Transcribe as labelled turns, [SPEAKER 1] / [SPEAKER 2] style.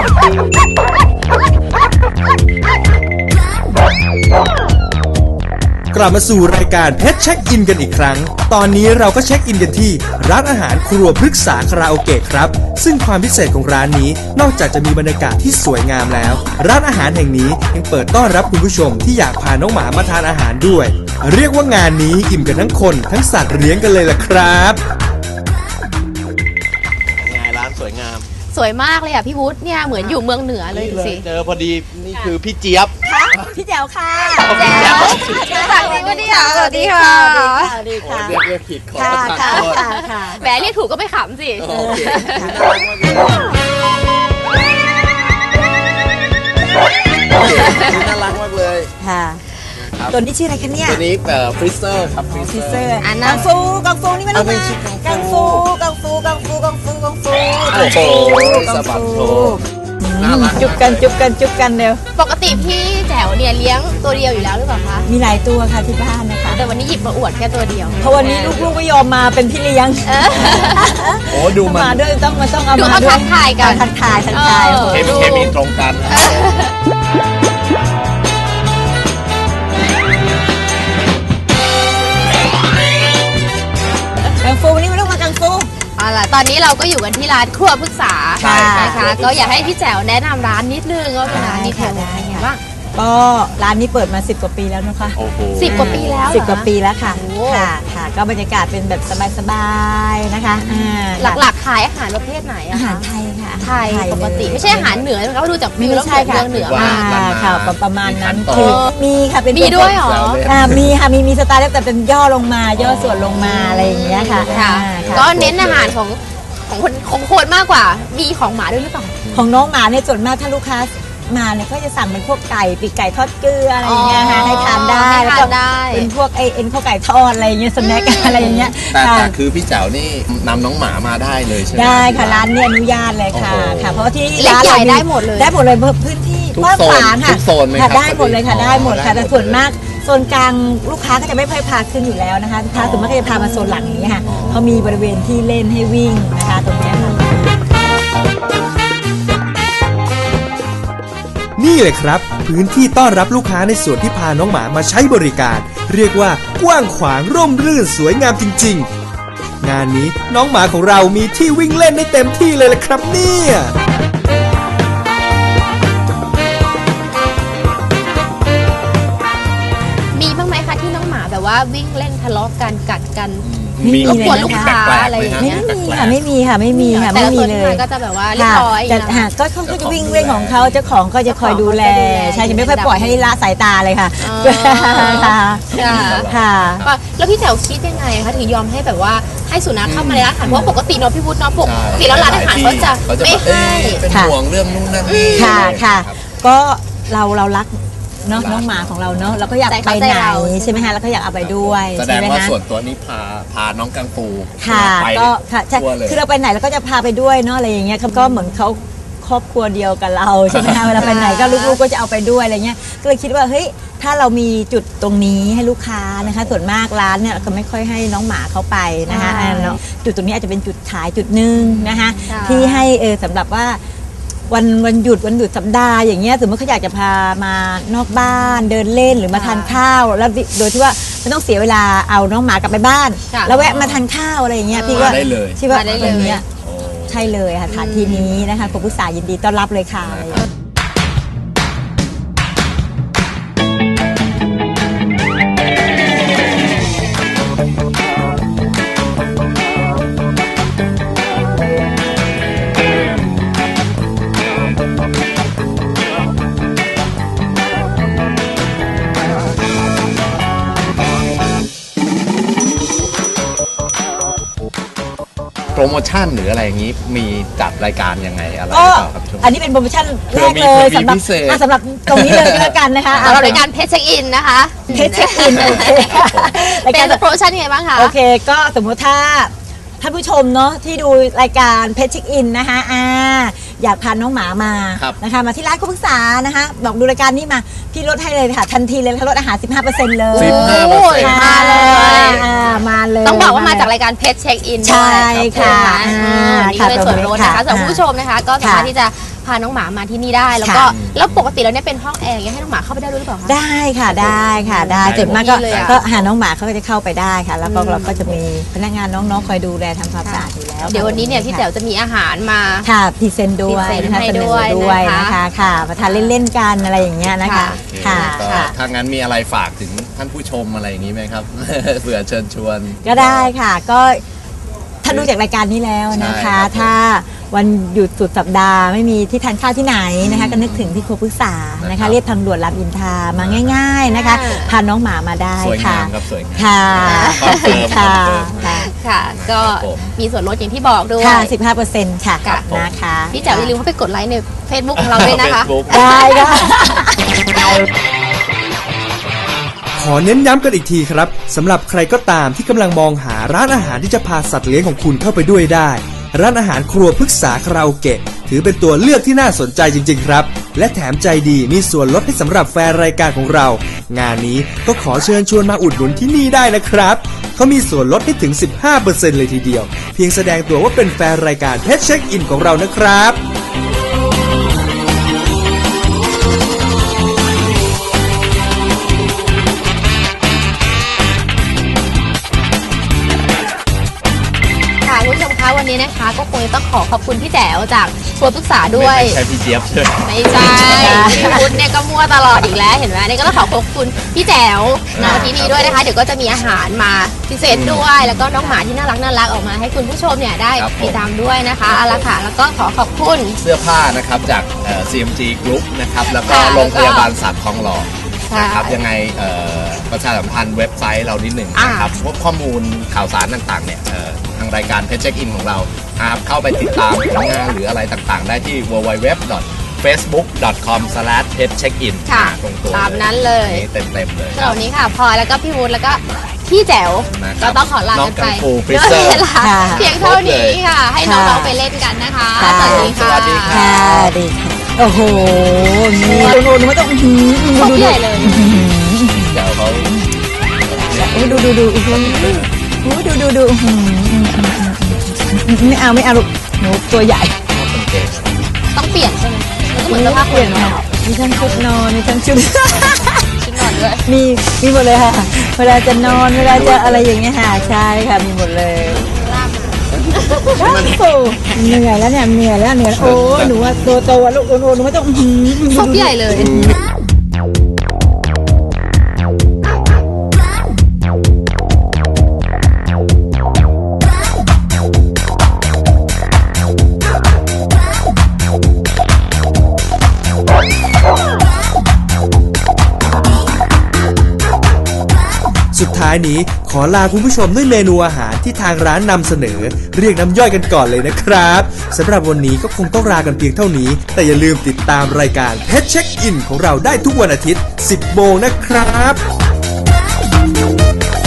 [SPEAKER 1] กลับมาสู่รายการเพชรเช็คอินกันอีกครั้งตอนนี้เราก็เช็คอินกันที่ร้านอาหารครัวพฤกษาคาราโอเกะครับซึ่งความพิเศษของร้านนี้นอกจากจะมีบรรยากาศที่สวยงามแล้วร้านอาหารแห่งนี้ยังเปิดต้อนรับคุณผู้ชมที่อยากพาน้องหมามาทานอาหารด้วยเรียกว่างานนี้อิ่มกันทั้งคนทั้งสัตว์เลี้ยงกันเลยล่ะครับ
[SPEAKER 2] ไงร้านสวยงาม
[SPEAKER 3] สวยมากเลยอ่ะพี่วุฒิเนี่ยเหมือนอยู่เมืองเหนือเลยดูสิ
[SPEAKER 2] เจอพอดีนี่คือพี่เจี๊ยบ
[SPEAKER 4] พี่แจ๋วค่ะ
[SPEAKER 3] แจ๋วสวัสดีค่ะสวัสดีค่ะ
[SPEAKER 4] สวัสดีค่ะ
[SPEAKER 2] เรียกผิดขอประทานโทษ
[SPEAKER 3] แหมเรียกถูกก็ไม่ขำสิ
[SPEAKER 2] โอเคน่ารักมากเลย
[SPEAKER 4] ค่ะตัวนี้ชื่ออะไรคะเนี่ย
[SPEAKER 2] ตัวนี้ฟรีเซอร์ครับฟรีเซอร์
[SPEAKER 4] กังฟูนี่มันอะไรกังฟูโอ้โห
[SPEAKER 2] สะบัดโช
[SPEAKER 4] จุบกันเร็ว
[SPEAKER 3] ปกติพี่แจ๋วเนี่ยเลี้ยงตัวเดียวอยู่แล้วหรือเปล่าคะ
[SPEAKER 4] มีหลายตัวค่ะที่บ้านนะคะ
[SPEAKER 3] แต่วันนี้หยิบมาอวดแค่ตัวเดียว
[SPEAKER 4] เพราะวันนี้ลูกๆไม่ยอมมาเป็นพี่เลี้ยง
[SPEAKER 2] โอ้ดู
[SPEAKER 4] มาด้วยต้องเอามา
[SPEAKER 3] ดูเขาทักทายกัน
[SPEAKER 4] ทักทาย
[SPEAKER 2] เคมีตรงกัน
[SPEAKER 4] กังฟูนี่ไม่ต้องมากังฟู
[SPEAKER 3] ตอนนี้เราก็อยู่กันที่ร้านครัวพฤกษานะคะก็อยากให้พี่แจ๋วแนะนำร้านนิดนึงว่าเป็นร้านนี้แถวไหนบ้าง
[SPEAKER 4] ก็ร้านนี้เปิดมา10 กว่าปีแล้วนะคะ
[SPEAKER 3] 10 กว่าปีแล้ว
[SPEAKER 4] 10 กว่าปีแล้วค่ะค่ะก็บรรยากาศเป็นแบบสบายๆนะคะ
[SPEAKER 3] หลักๆขายอาหารประเภทไหน
[SPEAKER 4] อาหารไทยค่ะ
[SPEAKER 3] ไทยปกติไม่ใช่อาหารเหนือเขาดูจากวิวแล้วเหนือมาก
[SPEAKER 4] ค่ะประมาณนั้นคือมีค่ะเป็น
[SPEAKER 3] มีด้วยหรอ
[SPEAKER 4] มีค่ะมีสไตล์แต่เป็นย่อลงมาย่อส่วนลงมาอะไรอย่างเงี้ยค่ะ
[SPEAKER 3] ก็เน้นอาหารของคนมากกว่ามีของหมาด้วยหรือเปล่า
[SPEAKER 4] ของน้องหมาเนี่ยส่วนมากถ้าลูกค้ามาเนี่ยก็จะสั่งเป็นพวกไก่ปีกไก่ทอดเกลืออะไรอย่างเงี้ยค่ะให้ทานได้แล้วก็เป็นพวกเอ็นข้าวไก่ทอดอะไรอย่างเงี้ยสแน็คอะไรอย่างเงี้ย
[SPEAKER 2] แต่คือพี่แจ๋วนี่นำน้องหมามาได้เลยใช่ไหม
[SPEAKER 4] ได้ค่ะร้านนี้อนุญาตเลยค่ะเพราะที่
[SPEAKER 3] ร้านเราได้หมดเลย
[SPEAKER 4] พื้นที่กว้างขวางค่ะได้หมดเลยค่ะได้หมดค่ะแต่ส่วนมากโซนกลางลูกค้าก็จะไม่ค่อยพาขึ้นอยู่แล้วนะคะลูกค้าส่วนมากก็จะพามาโซนหลังนี้ค่ะเขามีบริเวณที่เล่นให้วิ่งนะคะตรงนี้ค่ะ
[SPEAKER 1] นี่เลยครับพื้นที่ต้อนรับลูกค้าในส่วนที่พาน้องหมามาใช้บริการเรียกว่ากว้างขวางร่มรื่นสวยงามจริงๆงานนี้น้องหมาของเรามีที่วิ่งเล่นได้เต็มที่เลยละครับเนี่ย
[SPEAKER 3] มีบ้างไหมคะที่น้องหมาแบบว่าวิ่งเล่นทะเลาะกันกัดกัน
[SPEAKER 4] มี
[SPEAKER 3] เลยนะคะอะไรอย่างเงี้ย
[SPEAKER 4] ไม่มีเลย
[SPEAKER 3] ก็จะแบบว่าเรียบร้อย
[SPEAKER 4] แต่ก็เขาจะวิ่งเล่นของเขาเจ้าของก็จะคอยดูแลใช่จะไม่ค่อยปล่อยให้ละสายตาเลยค่ะ
[SPEAKER 3] แล้วพี่แจ๋วคิดยังไงคะถึงยอมให้แบบว่าให้สุนัขเข้ามาในร้านอาหารเพราะปกติน้องพี่วุฒิน้องปกติแล้วร้านอาหารเขาจะไม่ให้
[SPEAKER 2] เป็นห่วงเรื่องนู่นนั่นนี่
[SPEAKER 4] ค่ะก็เรารักน้องหมาของเราเนาะเราก็อยากไปไหนใช่ไหมคะแล้วก็อยากเอาไปด้วย
[SPEAKER 2] แสดงว่าส่วนตัวนี้พาน้องกังฟู
[SPEAKER 4] ค่ะก็ค่ะใช่คือเราไปไหนเราก็จะพาไปด้วยเนาะอะไรอย่างเงี้ยเขาก็เหมือนเขาครอบครัวเดียวกับเราใช่ไหมคะเวลาไปไหนก็ลูกๆก็จะเอาไปด้วยอะไรเงี้ยก็เลยคิดว่าเฮ้ยถ้าเรามีจุดตรงนี้ให้ลูกค้านะคะส่วนมากร้านเนี่ยก็ไม่ค่อยให้น้องหมาเขาไปนะคะจุดตรงนี้อาจจะเป็นจุดขายจุดนึงนะคะที่ให้สำหรับว่าวันหยุดสัปดาห์อย่างเงี้ยสมมติเขาอยากจะพามานอกบ้านเดินเล่นหรือมาทานข้าวแล้วโดยที่ว่าไม่ต้องเสียเวลาเอาน้องหมากลับไปบ้านแล้วแวะมาทานข้าวอะไรอย่างเงี้ยพี่ว่าที่ว่าอย่างเงี้ยใช่เลยค่ะฐานที่นี้นะคะครัวพฤกษายินดีต้อนรับเลยค่ะ
[SPEAKER 2] โปรโมชั่นหรืออะไรอย่างนี้มีจัดรายการยังไงอะไรครับ
[SPEAKER 4] อันนี้เป็นโปรโมชั่นแรกเลยสำหรับตรงนี้เลยก็แล้วกันนะคะ
[SPEAKER 3] เรารายการเพชรเช็คอินนะคะ
[SPEAKER 4] เพชรเช็คอินโอเค
[SPEAKER 3] เป็นโปรโมชั่นยังไงบ้างคะ
[SPEAKER 4] โอเคก็สมมติถ้าท่านผู้ชมเนาะที่ดูรายการเพชรเช็คอินนะคะอยากพาน้องหมามานะคะมาที่ร้านครัวพฤกษานะคะบอกดูรายการนี้มาพี่ลดให้เลยค่ะทันทีเลยลดอาหาร 15% เลย
[SPEAKER 3] มา
[SPEAKER 4] เลย
[SPEAKER 3] ต้องบอกว่ามาจากรายการเพชรเช็คอิน
[SPEAKER 4] ใช่ค่ะ
[SPEAKER 3] นี่เป็นส่วนลดนะคะสำหรับผู้ชมนะคะก็สามารถที่จะพาน้องหมามาที่นี่ได้แล้วก็แล้วปกติแล้วเนี่ยเป็นห้องแอร์ให้น้องหมาเข้าไปได้ด้วยหรือเปล่าคะ
[SPEAKER 4] ได้ค่ะได้ค่ะได้ส่วนมากก็หาน้องหมาเขาก็จะเข้าไปได้ค่ะแล้วก็เราก็จะมีพนักงานน้องๆคอยดูแลทำความสะอาดอยู่แล้ว
[SPEAKER 3] เดี๋ยววันนี้เนี่ยพี่แจ๋วจะมีอาหารมา
[SPEAKER 4] ค่ะพรีเซนต์ด้วยนะคะเสนอด้วยนะคะค่ะมาทานเล่นๆกันอะไรอย่างเงี้ยนะคะค่ะ
[SPEAKER 2] ถ้างั้นมีอะไรฝากถึงท่านผู้ชมอะไรอย่างนี้ไหมครับ เผื่อเชิญชวน
[SPEAKER 4] ก็ได้ค่ะก็ถ้าดูจากรายการนี้แล้วนะคะถ้าวันหยุดสุดสัปดาห์ไม่มีที่ทานข้าวที่ไหนนะคะก็นึกถึงที่ครัวพฤกษานะคะเรียบทางด่วนรามอินทรามาง่ายๆนะคะพาน้องหมามาได้ค่ะ
[SPEAKER 2] สวยงาม
[SPEAKER 4] ค่ะขอบคุณค่ะ
[SPEAKER 3] ค่ะก็มีส่วนลดอย่างที่บอกด้วย
[SPEAKER 4] ค่ะ 15% ค่ะนะคะ
[SPEAKER 3] พี่แจ๋วอย่าลืมเข้าไปกดไลค์ใน Facebook ของเราด้วยนะคะ
[SPEAKER 4] ได้ค่ะ
[SPEAKER 1] ขอเน้นย้ำกันอีกทีครับสำหรับใครก็ตามที่กำลังมองหาร้านอาหารที่จะพาสัตว์เลี้ยงของคุณเข้าไปด้วยได้ร้านอาหารครัวพฤกษาคาราโอเกะถือเป็นตัวเลือกที่น่าสนใจจริงๆครับและแถมใจดีมีส่วนลดให้สำหรับแฟนรายการของเรางานนี้ก็ขอเชิญชวนมาอุดหนุนที่นี่ได้นะครับเขามีส่วนลดให้ถึง 15% เลยทีเดียวเพียงแสดงตัวว่าเป็นแฟนรายการเพชรเช็คอินของเรานะครับ
[SPEAKER 3] วันนี้นะคะก็คงต้องขอบคุณพี่แจ๋วจากครัวพฤกษาด้วย
[SPEAKER 2] ไม่ใช่พี่เจี๊ยบใช่ไหม
[SPEAKER 3] ไม่ใช่พี่พุทธเนี่ยก็มั่วตลอดอีกแล้วเห็นไหมนี่ก็ต้องขอบคุณพี่แจ๋วมาที่นี่ด้วยนะคะเดี๋ยวก็จะมีอาหารมาพิเศษด้วยแล้วก็น้องหมาที่น่ารักออกมาให้คุณผู้ชมเนี่ยได้ติดตามด้วยนะคะเอาละค่ะแล้วก็ขอบคุณ
[SPEAKER 2] เสื้อผ้านะครับจากCMG Group นะครับแล้วก็โรงพยาบาลสัตว์ทองหล่อนะครับยังไงประชาสัมพันธ์เว็บไซต์เรานิดหนึ่งนะครับพวกข้อมูลข่าวสารต่างๆเนี่ยทางรายการเพจเช็คอินของเราครับเข้าไปติดตามผลงานหรืออะไรต่างๆได้ที่ www.facebook.com/petcheckin
[SPEAKER 3] ค่ะตามนั้นเลย
[SPEAKER 2] เต็มเลย
[SPEAKER 3] ตอนนี้ค่ะพลอยแล้วก็พี่วุฒิแล้วก็พี่แจ๋วก็ต้องขอลากันไปด้วยเวลาเพียงเท่านี้ค่ะให้น้องๆไปเล่นกันนะคะสวัสดีค่ะ
[SPEAKER 4] ดีค่ะโอ้โหนี่โน่นไม่ต้อง
[SPEAKER 3] ดูใหญ่เลย
[SPEAKER 2] เดี๋ยวเขา
[SPEAKER 4] ดูอีกคนดูไม่เอาลูกหนูตัวใหญ่
[SPEAKER 3] ต้องเปลี่ยนใช่ไหมเหมือนสภาพเปลี่ยน
[SPEAKER 4] ค่ะมีทั้งชุดนอนมีทั้งชุด
[SPEAKER 3] นอนด้วย
[SPEAKER 4] มีหมดเลยค่ะเวลาจะนอนเวลาจะอะไรอย่างเงี้ยค่ะใช่ค่ะมีหมดเลยเหนื่อยแล้วเนี่ยโอ้หนูว่าโตลูกหนูไม่ต้อง
[SPEAKER 3] ชอบใหญ่เลย
[SPEAKER 1] สุดท้ายนี้ขอลาคุณผู้ชมด้วยเมนูอาหารที่ทางร้านนำเสนอเรียกน้ำย่อยกันก่อนเลยนะครับสำหรับวันนี้ก็คงต้องลากันเพียงเท่านี้แต่อย่าลืมติดตามรายการเพชรเช็คอินของเราได้ทุกวันอาทิตย์ 10 โมงนะครับ